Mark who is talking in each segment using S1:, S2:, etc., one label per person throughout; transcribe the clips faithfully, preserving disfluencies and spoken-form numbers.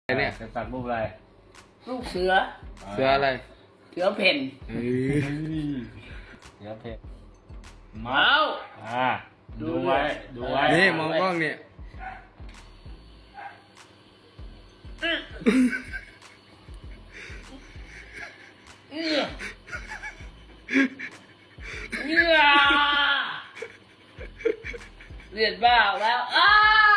S1: เนี่ย
S2: จะสักรูปอะไร
S3: ลูกเสือ
S1: เสืออะไร
S3: เสือเพ่น
S1: เฮ้ย
S2: เสือเพชร
S3: เมา
S2: อ่าดูไว้ดูไว้
S1: นี่มองกล้องเนี่ย
S3: เอื้อเอื้อเลือดบ้าแล้วอ้า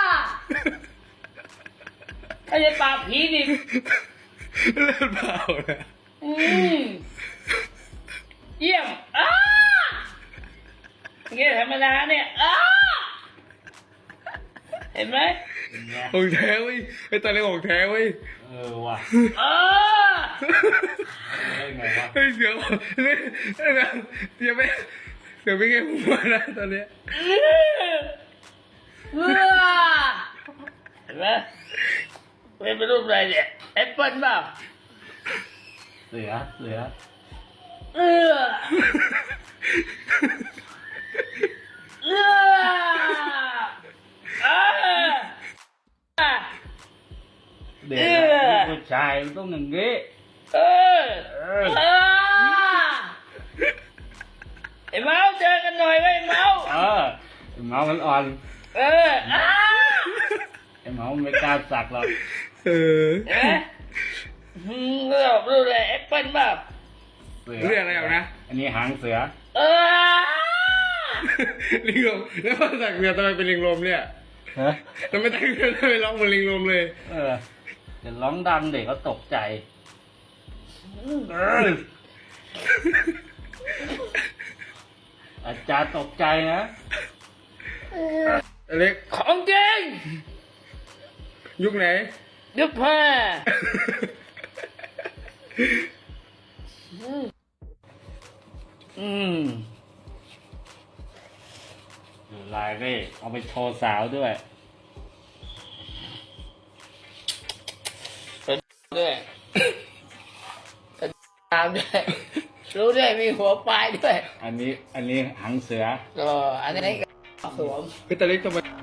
S3: ถ้าจะปราบผีดิ
S1: เลือดเปล่าเลย
S3: อืมเยี่ยมอ้าเงี้ยธรรมดาเนี่ยอ้าเห็นไหม
S1: ของแท้เว้ยไอ้ตอนนี้ของแท้เว้ย
S2: เออว่ะ
S3: อ้า
S2: ได้ไงวะ
S1: เฮ้ยเสือเนี่ยเนี่ยเสือไม่เสือไม่แค่หัวนะตอนเนี้ย
S3: เอื้อเอื้อเห็นไหมเป็นรูปอะไรเนี่ยแอปเปิ้ลเปล่า
S2: เสือเสือ
S3: เอื้อเอื้ออ่าอ่า
S2: เด็กอะผู้ชายมันต้องอย่างงี้
S3: เออเออไอ้เมาเจอกันหน่อยไว้ไอ้เมา
S2: เออไอ้เมามันอ่อน
S3: เอออ้า
S2: ไอ้เมามันไม่กล้าสักหรอก
S1: เออ
S3: เห็นไหมอืมเรื่องรูปอะไรแอปเปิ้ลเปล่า
S2: เสือ
S1: เรื่องอะไรเอานะ
S2: อันนี้หางเสือ
S3: เออ
S1: ลิงลมแล้วพอสักเสือทำไมเป็นลิงลมเนี่ย
S2: ฮะ
S1: ทำไมตั้งใจทำไมร้องเหมือนลิงลมเลย
S2: เออจะร้องดังเด็กเขาตกใจเอออาจารย์ตกใจนะ
S1: อเล็ก
S3: ของจริง
S1: ยุคไหน
S3: ยุบผ้า
S2: อืมดูลายนี่เอาไปโชว์สาวด้วย
S3: ด้วยตามด้วยรู้ด้วยมีหัวปลายด้วย
S2: อันนี้อันนี้หางเสือ
S3: ก็อันนี้ก็สวม
S1: คือตอนเล็กทำไม